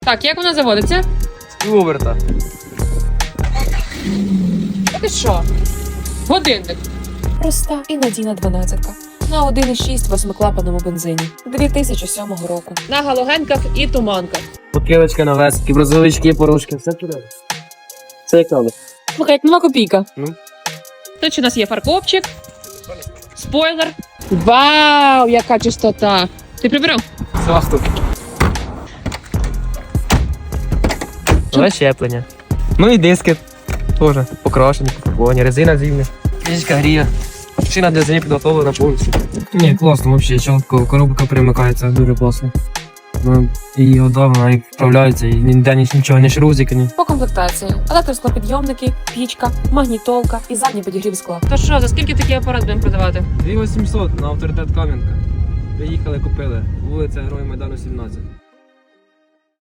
Так, як вона заводиться? Оверта. Ти що? Годинник. Проста і надійна 12-ка. На 1,6 восьмиклапаному бензині 2007 року. На галогенках і туманках. Покилочка на вески, брозовички, порушки, все туди. Це як надо. Слухай, як нова копійка. Ну. Тут у нас є фаркопчик, спойлер. Вау, яка чистота. Ти прибирав? Заступ. Нове щеплення. Ну і диски теж покрашені, пофарбовані, резина зимня. Кришечка гріє. Шина для зимі підготовлена повністю. Ні, класно, взагалі, чітко, коробка примикається, дуже класно. Ну, і одна і вправляється, і ніде нічого, ні шрузики, ні. По комплектації електросклопідйомники, пічка, магнітолка і задній підігрів скла. То що, за скільки такий апарат будемо продавати? 2800 на авторитет Кам'янка. Приїхали, купили. Вулиця Героїв Майдану, 17.